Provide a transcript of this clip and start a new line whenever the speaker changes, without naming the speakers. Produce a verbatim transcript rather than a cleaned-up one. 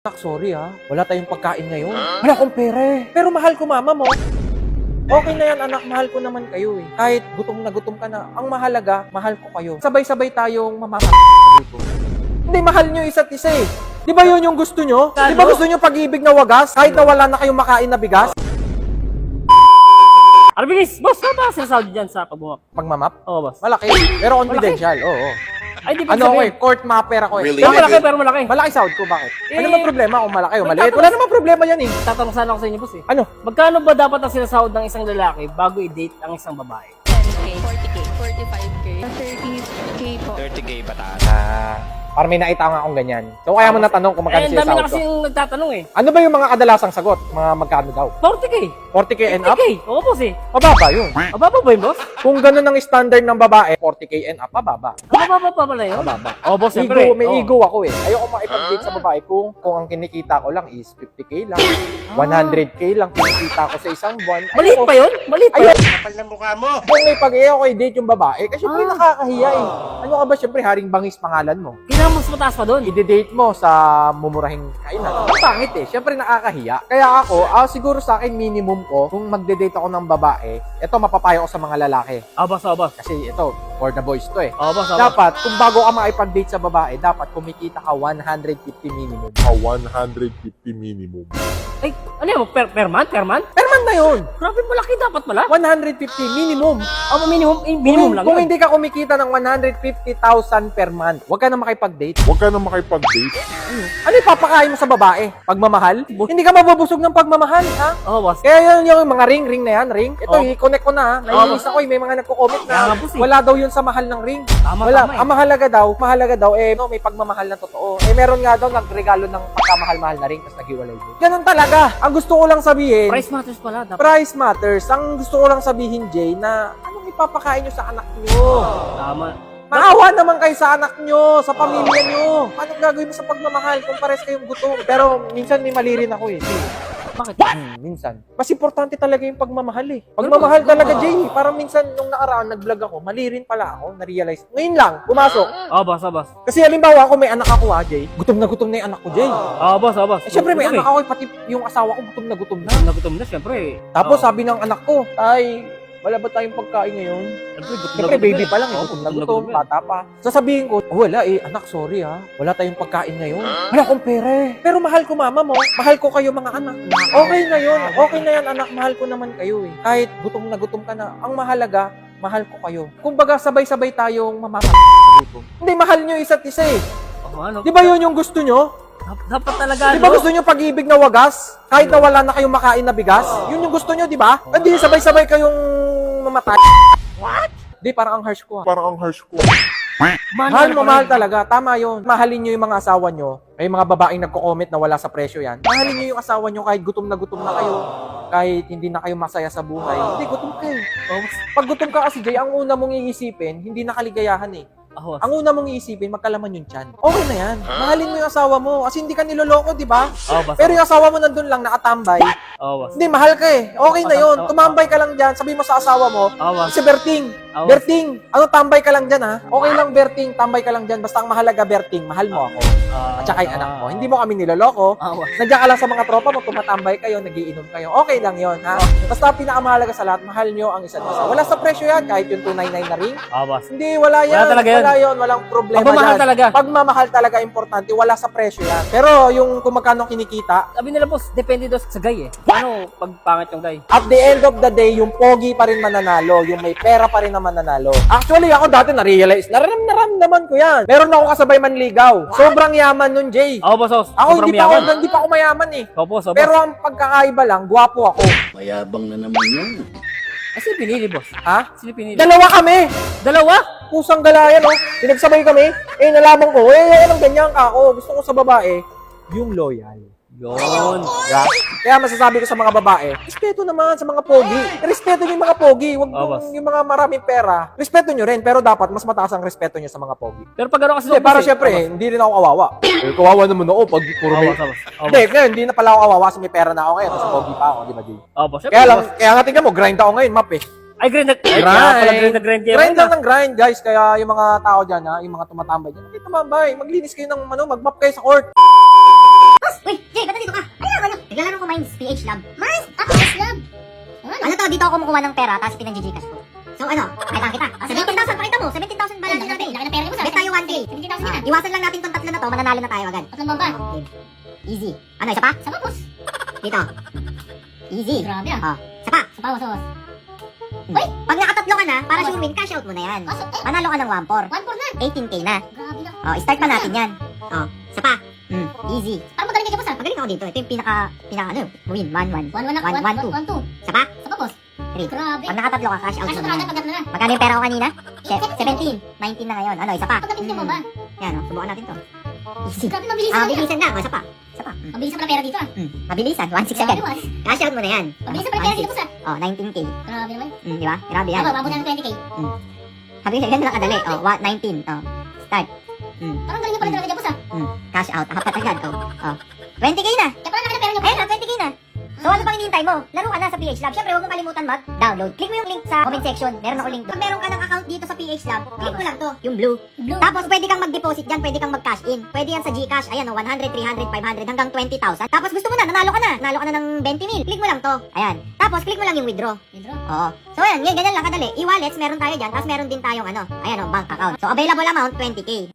Nak, sorry ha. Wala tayong pagkain ngayon. Wala akong pera eh. Pero mahal ko mama mo. Okay na yan anak, mahal ko naman kayo eh. Kahit gutom na gutom ka na, ang mahalaga, mahal ko kayo. Sabay-sabay tayong mamamahal. Hindi, mahal nyo isa't isa eh. Di ba yun yung gusto nyo? Di ba gusto nyo pag-ibig na wagas? Kahit na wala na kayong makain na bigas?
Arbinis, boss, ano ba sinasahod dyan sa pagbumap?
Pagmamap?
Oo, boss.
Malaki. Pero confidential, oo. oo.
Ay, di
Ano ako eh, court mapper ako eh.
Really?
Pero malaki, pero malaki.
Malaki sahod ko, bakit?
Eh,
Ano ba problema kung malaki o
may
maliit?
tatanong-
Wala namang problema yan eh.
Tatanong sana ako sa inyo, boss eh.
Ano?
Magkano ba dapat ang sinasahod ng isang lalaki bago i-date ang isang babae?
ten K, forty K, forty-five K, thirty K po.
thirty K pataas.
Ah, parang may naita nga akong ganyan. So kaya mo natanong kung magkano
Eh,
siya
dami na
sahod
kasi
ko.
yung nagtatanong eh.
Ano ba yung mga kadalasang sagot? Mga magkano daw?
forty K.
forty K and up?
forty K. Oo, boss eh.
Mababa yun.
Mababa ba yun, boss?
Kung ganun ang standard ng babae, forty K and up, mababa.
Mababa pa pala yun?
Mababa.
Oo, boss, siyempre.
Ego, may
Oo.
ego ako eh. Ayoko makipag-date sa babae kung kung ang kinikita ko lang is fifty K lang, one hundred K lang kinikita ko sa isang buwan.
Maliit
Ayoko.
pa yun? Maliit pa
Ayun.
yun?
Kapal ng mukha mo!
Kung may pag-iyo ko i-date yung babae, kasi syempre
Ah.
nakakahiya eh. Ano ka ba, syempre haring bangis pangalan mo.
Kailangan mas mataas pa doon.
I-date mo sa mumurahing kainan. Ang pangit eh. Syempre nakakahiya. Kaya ako, ah, siguro sa akin minimum ko, kung magde-date ako ng babae, ito mapapayo ko sa mga lalaki.
Oo, boss, oo, boss.
Kasi ito, for the boys to eh.
Oo, boss, oo, boss.
Dapat, kung bago ka makipag-date sa babae, dapat kumikita ka one hundred fifty minimum.
a one hundred fifty minimum.
Ay, ano yun? Per, per month? Per month?
Per month na yun.
Grabe, malaki dapat pala.
one hundred fifty minimum.
Oh, minimum, eh, minimum
kung,
lang
kung
yun.
hindi ka kumikita ng one hundred fifty thousand per month, huwag ka na makipag-date.
Huwag ka na makipag-date.
Ano ipapakain mo sa babae? Pagmamahal? Hindi ka mabubusog ng pagmamahal, ha?
Oo, boss.
Kaya yun yung mga ring, ring na yan, ring. Ito,
Oh.
i-connect ko na, ha? Naiinis ako, eh. May mga nagko-comment
Kaya nga,
na
boss, eh.
wala daw yun sa mahal ng ring.
Tama,
Wala.
tama eh.
Ang mahalaga daw, mahalaga daw, eh, no, may pagmamahal na totoo. Eh, meron nga daw nagregalo ng pagkamahal-mahal na ring, tapos naghiwalay din. Ganun talaga. Ang gusto ko lang sabihin,
Price matters pala. Dapat.
price matters. Ang gusto ko lang sabihin, Jay, na anong ipapakain nyo sa anak nyo?
Tama.
Maawa naman kayo sa anak nyo, sa pamilya nyo. Anong gagawin mo sa pagmamahal kung pares kayong gutom? Pero minsan may mali rin ako eh.
Bakit?
Hmm, minsan. Mas importante talaga yung pagmamahal eh. Pagmamahal talaga, Jay. Parang minsan nung nakaraan nag-vlog ako, mali rin pala ako, na-realize. Ngayon lang, pumasok.
Oo, boss, oo, boss.
Kasi halimbawa ako may anak ako ha, Jay. Gutom na gutom na yung anak ko, Jay.
Oo, boss, oo, boss.
Eh, syempre may
Gutom
anak ako, eh, pati yung asawa ko gutom na gutom na.
eh. Nagutom na, syempre.
Tapos
Oo.
sabi ng anak ko, ay, wala ba tayong pagkain ngayon?
Syempre, gutom na
Siyempre,
gutom
baby
eh.
pa lang, eh.
Oo,
Gutom na
gutom
gutom,
yan.
bata pa. Sasabihin ko, oh, wala eh, anak, sorry ha. Wala tayong pagkain ngayon. Wala akong pera eh. Pero mahal ko mama mo. Mahal ko kayo mga anak. Okay na yun. Okay na yan, anak. Mahal ko naman kayo eh. Kahit gutom na gutom ka na. Ang mahalaga, mahal ko kayo. Kumbaga, sabay-sabay tayong mamamahal sa gutom. Hindi, mahal nyo isa't isa eh.
Oo, ano?
Di ba yun yung gusto nyo?
Dap- Dapat talaga,
Di ba gusto nyo pag-ibig na wagas? Kahit na wala na kayong makain na bigas? Yun yung gusto nyo, di ba? Hindi, sabay-sabay kayong mamatay. What? Di, parang ang harsh ko ah.
Parang ang harsh ko.
Mahal mo, mahal talaga. Tama yun. Mahalin nyo yung mga asawa nyo. May mga babaeng nagko-comment na wala sa presyo yan. Mahalin nyo yung asawa nyo kahit gutom na gutom na kayo. Kahit hindi na kayo masaya sa buhay. Hindi, gutom kayo. Pag gutom ka kasi, Jay, ang una mong iisipin, hindi na kaligayahan eh.
Oo,
Ang una mong iisipin, magkalaman yung tiyan. Okay na yan. Mahalin mo yung asawa mo. Kasi hindi ka niloloko, di ba?
Oo, boss.
Pero yung asawa mo nandun lang, nakatambay.
Oo, boss.
Hindi, mahal ka eh. Okay na yun. Tumambay ka lang dyan. Sabi mo sa asawa mo,
Oo, boss.
si Berting,
Oo.
Berting, ano tambay ka lang dyan ha? Okay lang Berting, tambay ka lang dyan. Basta ang mahalaga Berting, mahal mo ako.
Ah,
At saka yung anak mo. Hindi mo kami niloloko.
Oo, boss.
Nandiyan ka lang sa mga tropa mo, tumatambay kayo, nagiinom kayo. Okay lang yon ha? Basta ang pinakamahalaga sa lahat, mahal nyo ang isa't isa. Wala sa presyo yan, kahit yung two ninety-nine na ring.
Oo, boss.
Hindi, wala yan.
Wala talaga yan.
Wala yun, walang problema
Pagmamahal
dyan.
talaga.
Pagmamahal talaga importante, wala sa presyo yan. Pero yung kung magkano kinikita,
Sabi nila, boss, depende daw sa guy eh. Ano pag pangit yung guy?
at the end of the day, yung pogi pa rin mananalo, yung may pera pa rin na mananalo. Actually, ako dati na-realize, naram naramdaman ko yan. Meron ako kasabay manligaw. Sobrang yaman nun, Jay.
Oo, boss, boss.
Ako
Sobrang
hindi pa ako,
yaman.
hindi pa ako mayaman eh.
Oo, boss, oo, boss.
Pero ang pagkakaiba lang, gwapo ako.
Mayabang na naman yun.
Ah, sino pinili, boss?
Ha?
Sino pinili?
Dalawa kami.
Dalawa?
Pusang galayan, oh. Pinagsabay kami. Eh, nalaman ko, eh, eh, anong ganyan ka ako. Gusto ko sa babae, yung loyal.
Yun.
Yeah. Kaya masasabi ko sa mga babae, respeto naman sa mga pogi. Respeto niyo yung mga pogi. Huwag
Oh,
yung,
boss.
yung mga maraming pera. Respeto niyo rin, pero dapat mas mataas ang respeto niyo sa mga pogi.
Pero pag ano kasi
Hindi,
boss,
para
eh.
syempre,
Oo, boss.
hindi rin ako kawawa. Eh, kawawa naman ako pag puro
Oo,
may...
boss, oo, boss. Oo,
Hindi,
boss.
ngayon, hindi na pala ako kawawa kasi may pera na ako ngayon. Kasi pogi pa ako, di ba, Jay?
Oo, boss. Syempre,
Kaya lang,
boss.
kaya nga tingnan mo, grind ako ngayon, map eh.
Ay, grind na. Ay, kaya pala grind na grind kayo.
Grind lang ng grind, guys. Kaya yung mga tao dyan, ha, yung mga tumatambay dyan, okay, tumambay. Maglinis kayo ng, ano, mag-map kayo sa court.
Ay,
kumukuha ng pera, tapos pinag-Gcash ko. So ano, pakita kita. seventeen thousand, pakita mo. seventeen thousand balance natin. Laki ng pera mo sa. Bet tayo one K. seventeen thousand yan. Iwasan lang natin tong tatlo na to, mananalo na tayo agad. Tatlong bomba. Easy. Ano, isa pa? Isa pa, boss. Dito. Easy. Grabe ah. Oh, isa pa. Isa pa, boss. Hmm. Uy, pag nakatatlo ka na, para sure win, cash out mo na yan. Manalo ka ng one four. one four na. eighteen K na. Grabe na. Oh, start pa natin yan. Oh, isa pa. Hmm, easy. Parang magaling ka, boss ah. Magaling ako dito. Ito yung pinaka, pinaka ano, win. one one. one one na. one one two. Isa pa? Isa pa, boss. three. Grabe. Pag nakatatlo ka, cash out mo na yan. Magkano yung pera ko kanina? seventeen. nineteen na ngayon. Ano, isa pa? Hmm. Yan, oh, subukan natin to. Easy. Grabe, mabilisan. Ah, mabilisan na. Oh, isa pa. Isa pa. Hmm. Mabilisan pala pera dito ah. Hmm. Mabilisan. one six agad. Cash out mo na yan. Mabilisan pala pera dito sa. Oh, nineteen K. Grabe naman. Hmm, di ba? Grabe yan. Ako, mabuti ng twenty K. Hmm. Sabi ko, ganun lang kadali. Oh, what, nineteen. Oh, start. Hmm. Parang galing na pala talaga dyan, boss ah. Hmm. Cash out. Apat agad. Oh, oh. twenty K na. Kaya pala nakita pera niyo. Ayun na, twenty K na. So ano pang hinihintay mo? Laro ka na sa P H Lab. Siyempre, huwag mong kalimutan mag-download. Click mo yung link sa comment section. Meron ako link doon. Pag meron ka ng account dito sa P H Lab, click mo lang to, yung blue. blue. Tapos pwede kang mag-deposit dyan, pwede kang mag-cash in. Pwede yan sa Gcash. Ayan o, one hundred, three hundred, five hundred, hanggang twenty thousand. Tapos gusto mo na, nanalo ka na. Nanalo ka na ng twenty mil. Click mo lang to. Ayan. Tapos click mo lang yung withdraw. Withdraw? Oo. So ayan, ngayon, ganyan lang kadali. E-wallets, meron tayo dyan. Tapos meron din tayong ano, ayan o, bank account. So available amount, twenty K.